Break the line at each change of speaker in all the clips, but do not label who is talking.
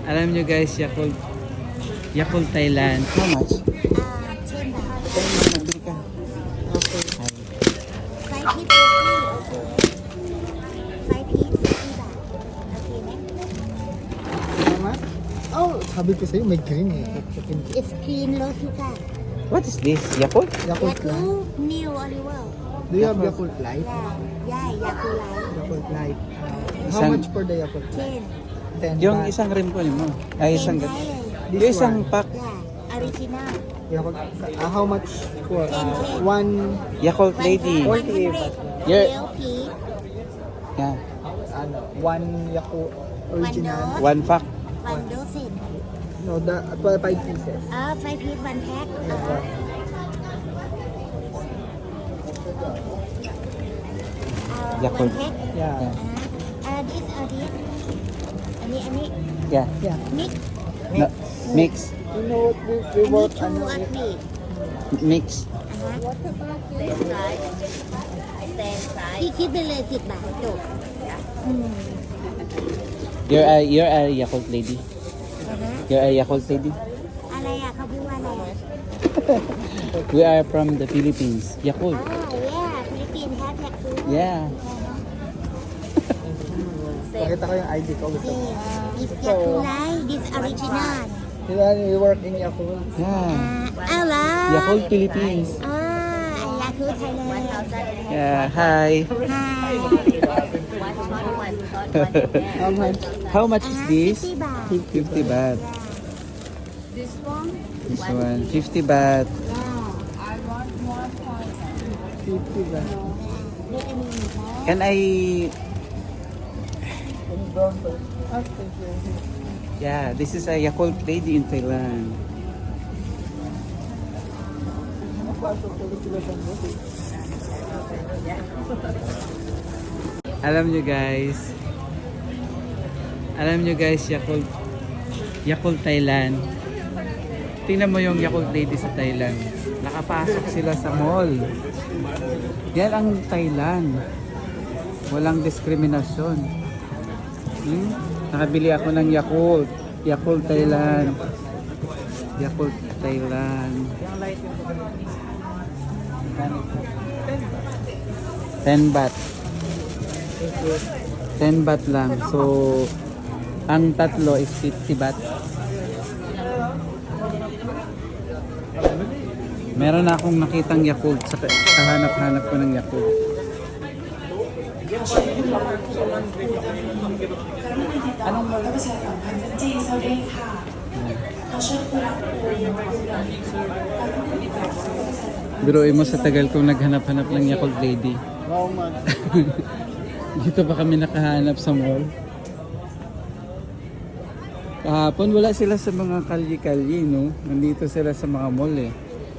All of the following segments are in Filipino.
Alam nyo guys, Yakult Thailand. How much?
10 baht.
10 nagbili ka.
Okay.
Ay.
5 piece 40. Okay. 5 piece 50 baht. Okay na?
Tama? Oh, sabi ko sa'yo, may green eh.
It's clean low sugar.
What is this? Yakult?
Yakult Light.
Yakult new olive oil.
Do you have Yakult Light?
Yeah, Yakult Light.
Yakult Light. How
Isang-
much for the Yakult Light?
10.
10
Yung
baht.
isang rim ko mo. Ay, isang...
Ten Thai.
Yung isang pack.
Yeah, original.
Yakult, how much for?
10.
One
Yakult Lady.
48 baht.
Yeah.
LP.
Yeah.
One Yakult original.
One
One pack.
1 dozen.
No, the 5 pieces.
5 piece 1 pack.
Yakult.
1 pack.
Yeah.
This or this. Ani.
Yeah.
Yeah.
Mix.
No, mix.
You know what we
Ani
work
2 or 3.
Mix.
พี่คิดไปเลย10 บาทจบ
You're a Yakult Lady. You're a Yakult Lady.
อะไรอ่ะเขาพูดว่าอะไรอ่ะ
We are from the Philippines. Yakult.
yeah ฟิลิปปินส์แฮชแท็กฟู
Yeah.
Pakita ko yung ID ko. Gusto mo?
this Yakulai this original
You work in Yakult.
Yeah.
อะไร
Yakult Philippines.
Yakult Thailand
Yeah. Hi.
hi
How much?
How much is this?
50 บาท
50 baht.
this one
This one, 50 baht.
yeah
50 baht.
เรียกอันนี้นะ
Can I...
Any brown for? Ah, thank you.
Yeah, this is a Yakult Lady in Thailand. Alam nyo guys, Yakult Thailand. Tingnan mo yung Yakult Lady sa Thailand. Nakapasok sila sa mall. Yan ang Thailand. Walang diskriminasyon. Nakabili ako ng Yakult Thailand. Yakult Thailand. 10 baht. 10 baht lang. So, ang tatlo is 50 baht. Meron na akong nakitang Yakult sa kahanap-hanap ko ng Yakult. Anong biruin mo sa tagal kong naghanap-hanap ng Yakult Lady.
How much?
Dito pa kami nakahanap sa mall. Kahapon wala sila sa mga kalye-kalye, no? Nandito sila sa mga mall eh.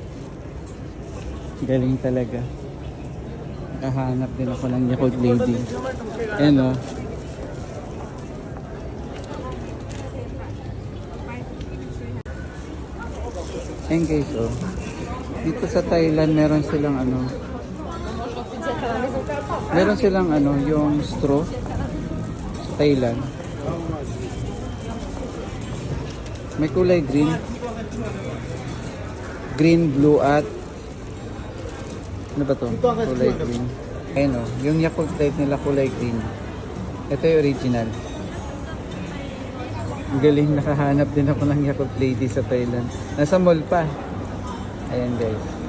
Galing talaga. Nakahanap din ako ng Yakult Lady. Ayan, no? Ayan guys, oh. Dito sa Thailand meron silang yung straw sa Thailand. May kulay green, blue at ano ba to? Kulay green. Ayun o, yung Yakult type nila kulay green. Ito yung original. Ang galing, nakahanap din ako ng Yakult Lady sa Thailand. Nasa mall pa. Ayan guys.